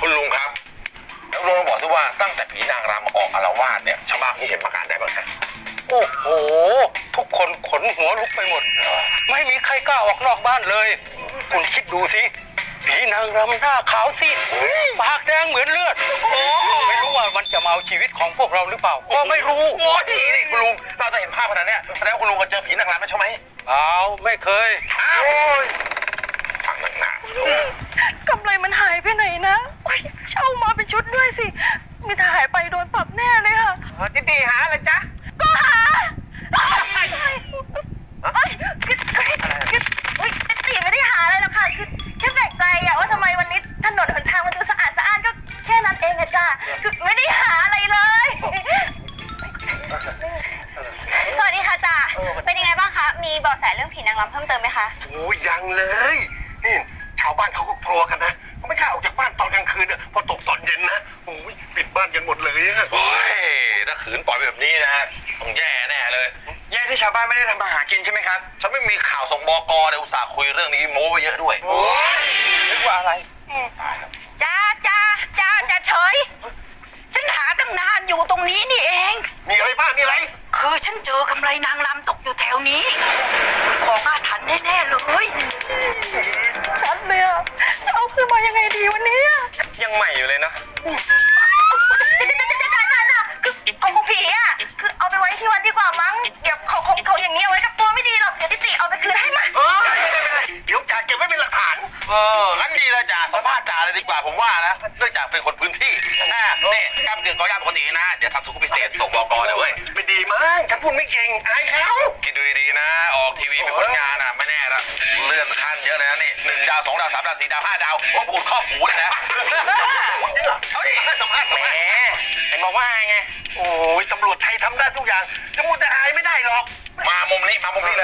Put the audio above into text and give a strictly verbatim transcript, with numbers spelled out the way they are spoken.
คุณลุงครับแล้วลุงบอกด้วยว่าตั้งแต่ผีนางรำมาออกอาละวาดเนี่ยชาวบ้านที่เห็นประการได้บ้างฮะโอ้โหทุกคนขนหัวลุกไปหมดไม่มีใครกล้าออกนอกบ้านเลยคุณคิดดูสิผีนางรำหน้าขาวซีดปากแดงเหมือนเลือดไม่รู้ว่ามันจะมาเอาชีวิตของพวกเราหรือเปล่าก็ไม่รู้โอ้ยนี่คุณลุงเราจะเห็นภาพขนาดนี้แสดงว่าคุณลุงก็เจอผีนางรำแล้วใช่ไหมเปล่าไม่เคยอ้าวฟังหนักหนากำไรมันหายไปไหนนะเช่ามาเป็นชุดด้วยสิมีถ้าหายไปโดนปรับแน่เลยค่ะจิตตีหาอะไรจ๊ะก็หาเอ้ยคือคือคือเฮ้ยจิตตีไม่ได้หาอะไรหรอกค่ะคือแค่แปลกใจอะว่าทำไมวันนี้ถนนหนทางมันดูสะอาดสะอาดก็แค่นั้นเองอะจ้ะคือไม่ได้หาอะไรเลยสวัสดีค่ะจ่าเป็นยังไงบ้างคะมีเบาะแสเรื่องผีนางรำเพิ่มเติมไหมคะโอ้ยยังเลยนี่ชาวบ้านเขาก็กลัวกันนะเขาไม่กล้าออกจากบ้านตอนกลางคืนเนี่ยพอตกตอนเย็นนะโอ้ยปิดบ้านกันหมดเลยอะโอ้ยถ้าขืนปล่อยแบบนี้นะต้องแย่แน่เลยแย่ที่ชาวบ้านไม่ได้ทำมาหากินใช่ไหมครับฉันไม่มีข่าวส่งบกเลยอุตส่าห์คุยเรื่องนี้โม้ไปเยอะด้วยโอ้ยนึกว่าอะไรตายแล้วจ้าจ้าจ้าจ้าเฉยฉันหาตั้งนานอยู่ตรงนี้นี่เองมีอะไรบ้างมีอะไรคือฉันเจอกำไรนางรำตกอยู่แถวนี้ของอาถรรพ์แน่ๆเลยชัดเลยอะเอาขึ้นมายังไงดีวันนี้ยังใหม่อยู่เลยนะคือของกูผีอะคือเอาไปไว้ที่วัดดีกว่ามั้งเดี๋ยวเขาเขาเขาอย่างนี้เอาไว้กับตัวไม่ดีหรอกเดี๋ยวติติเอาไปคืนให้มาเออไม่ได้ไม่ได้เดี๋ยวจ่าเก็บไว้เป็นหลักฐานเอองั้นดีเลยจ่าสัมภาษณ์จ่าเลยดีกว่าผมว่านะเนื่องจากเป็นคนพื้นที่อ่านี่กล้ามเกลือกอยาปกตินะเดี๋ยวทำสุขุมพิเศษส่งบกเลยเว้ยไม่ดีมั้งฉันพูดไม่เก่งอายเขาคิดดูดีๆนะออกทีวีเป็นผลงานอ่ะไม่แน่ละเลื่อนขั้นเยอะเลยนะนี่หนึ่งดาวสองดาวสามดาวสี่ดาวห้าดาวว่าพูดข้อหูเลยนะเอาดิสัมภาษณ์แหมเห็นบอกว่าไงโอ้ยตำรวจไทยทำได้ทุกอย่างจะมูแต่อายไม่ได้หรอกมามุมนี้มามุมนี้